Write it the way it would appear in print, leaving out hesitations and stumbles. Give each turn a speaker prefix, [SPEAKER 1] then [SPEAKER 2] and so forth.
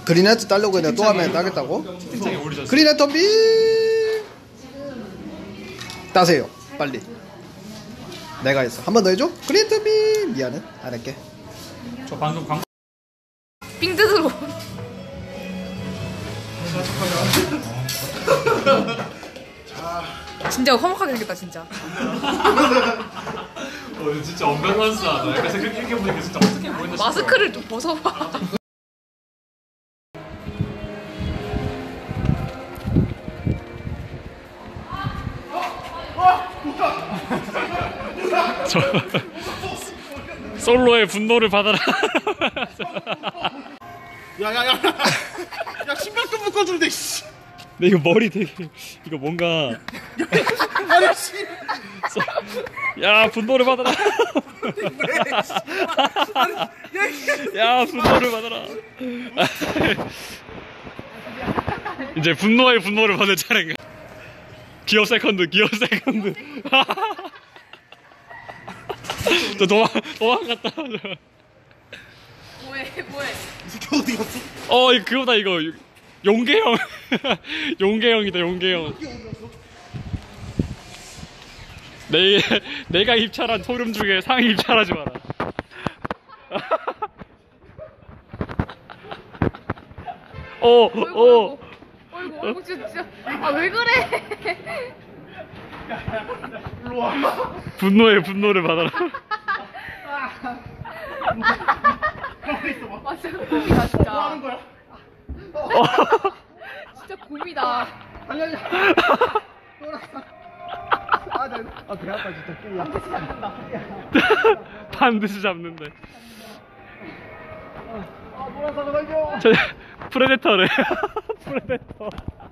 [SPEAKER 1] 그린헤트 따려고 했는데 또 하면 따겠다고?
[SPEAKER 2] 채팅창에 올리셨어요.
[SPEAKER 1] 그린헤트 비 따세요 빨리. 내가 했어. 한 번 더 해줘? 그린헤트 비 미안해 안 할게.
[SPEAKER 2] 저 방금 광고
[SPEAKER 3] 삥 뜯으러. 진짜 험악하게 생겼다 진짜.
[SPEAKER 2] 진짜 언밸런스하다. 약간 이렇게 보니까 진짜 어떻게 보이나 싶어.
[SPEAKER 3] 마스크를 좀 벗어봐.
[SPEAKER 2] 저 솔로의 분노를 받아라.
[SPEAKER 4] 야야야 야 신발끈 묶어준대.
[SPEAKER 2] 근데 이거 머리 되게 이거 뭔가
[SPEAKER 4] 아니 씨.
[SPEAKER 2] 야 분노를 받아라. 야 분노를 받아라. 이제 분노의 분노를 받을 차례인가. 기어 세컨드 기어 세컨드. 저 도망갔다.
[SPEAKER 3] 뭐해 뭐해.
[SPEAKER 4] 이 새끼 어디 갔어?
[SPEAKER 2] 이거 그거다 이거 용계형. 용계형이다 용계형. 내가 입찰한 소름 중에 상위 입찰하지 마라.
[SPEAKER 3] 어이구 진짜. 아 왜 그래?
[SPEAKER 2] 분노의 분노를 받아라.
[SPEAKER 3] 아 진짜 곰이다 진짜.
[SPEAKER 4] 뭐 하는 거야?
[SPEAKER 3] 진짜 곰이다.
[SPEAKER 4] 달려야. 아, 배 아파 진짜.
[SPEAKER 2] 반드시 잡는데.
[SPEAKER 4] 아, 노란 사과 달려.
[SPEAKER 2] 저 프레데터래. 프레데터.